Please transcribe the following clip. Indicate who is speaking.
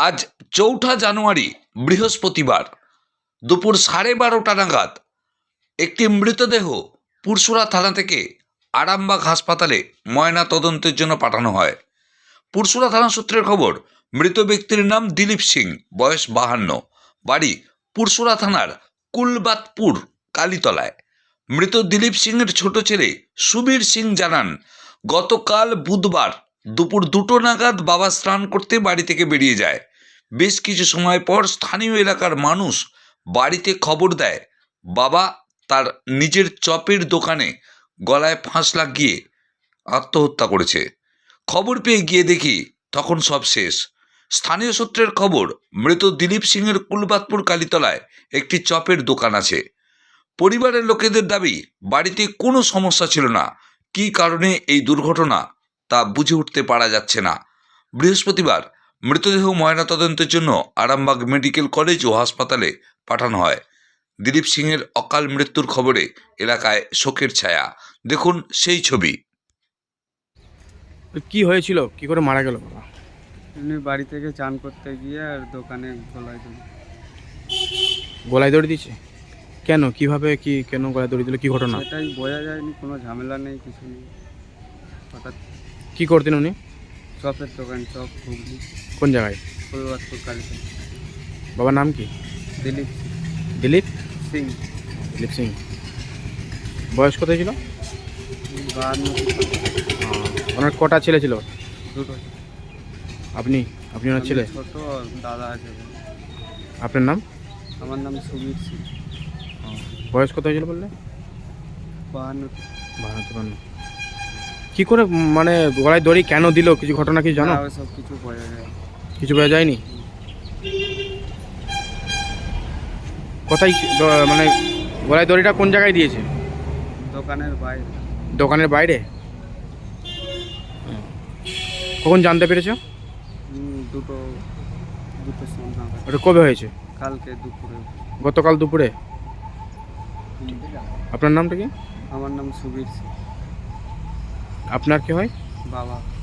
Speaker 1: আজ ৪ঠা জানুয়ারি বৃহস্পতিবার দুপুর 12:30 নাগাদ একটি মৃতদেহ পুরসুরা থানা থেকে আরামবাগ হাসপাতালে ময়না তদন্তের জন্য পাঠানো হয়। পুরসুরা থানা সূত্রের খবর, মৃত ব্যক্তির নাম দিলীপ সিং, বয়স 52, বাড়ি পুরসুরা থানার কুলবাতপুর কালীতলায়। মৃত দিলীপ সিংয়ের ছোট ছেলে সুবীর সিং জানান, গতকাল বুধবার দুপুর 2টো নাগাদ বাবা স্নান করতে বাড়ি থেকে বেরিয়ে যায়। বেশ কিছু সময় পর স্থানীয় এলাকার মানুষ বাড়িতে খবর দেয় বাবা তার নিজের চপের দোকানে গলায় ফাঁস লাগিয়ে আত্মহত্যা করেছে। খবর পেয়ে গিয়ে দেখি তখন সব শেষ। স্থানীয় সূত্রের খবর, মৃত দিলীপ সিংয়ের কুলবাতপুর কালীতলায় একটি চপের দোকান আছে। পরিবারের লোকেদের দাবি, বাড়িতে কোনো সমস্যা ছিল না। কী কারণে এই দুর্ঘটনা তা বুঝে উঠতে পারা যাচ্ছে না। বৃহস্পতিবার মৃতদেহ ময়নাতদন্তের জন্য আরামবাগ মেডিকেল কলেজ ও হাসপাতালে পাঠানো হয়। দিলীপ সিংয়ের অকাল মৃত্যুর খবরে এলাকায় শোকের ছায়া। দেখুন সেই ছবি।
Speaker 2: কি হয়েছিল, কি করে মারা গেল বাবা?
Speaker 3: এমনি বাড়ি থেকে চান করতে গিয়ে আর দোকানে
Speaker 2: গলায় দড়ি দিয়েছে? কেন, কিভাবে, কেন গলায় দড়ি দিল, কি ঘটনা?
Speaker 3: সেটাই বোঝা যায়নি, কোনো ঝামেলা নেই, কিছু নেই। হঠাৎ
Speaker 2: কি করতেন উনি?
Speaker 3: চপের দোকান, চপ ঘুগনি,
Speaker 2: কোন জায়গায়?
Speaker 3: পরিবারপুর কালীতে।
Speaker 2: বাবার নাম কি?
Speaker 3: দিলীপ
Speaker 2: দিলীপ
Speaker 3: সিং।
Speaker 2: দিলীপ সিং। বয়স কত ছিল?
Speaker 3: 52।
Speaker 2: ওনার কটা ছেলে ছিল?
Speaker 3: দুটো।
Speaker 2: আপনি ওনার ছেলে?
Speaker 3: ছোট দাদা আছে।
Speaker 2: আপনার নাম?
Speaker 3: আমার নাম সুবীর সিং।
Speaker 2: বয়স কত হয়েছিল বললে?
Speaker 3: 52।
Speaker 2: কি করে মানে গলায় দড়ি কেন দিল, কিছু ঘটনা কিছু জানো?
Speaker 3: সব কিছু বোঝা যায়।
Speaker 2: কিছু বোঝা যায়নি? কোথায় মানে গলায় দড়িটা কোন জায়গায় দিয়েছে?
Speaker 3: দোকানের বাইরে।
Speaker 2: দোকানের বাইরে? কখন জানতে পেরেছো?
Speaker 3: দুটো সন্ধ্যা।
Speaker 2: ওটা কবে হয়েছে?
Speaker 3: কালকে দুপুরে।
Speaker 2: গতকাল দুপুরে? আপনার নামটা কি?
Speaker 3: আমার নাম সুবীর সিং।
Speaker 2: আপনার কি হয়?
Speaker 3: বাবা।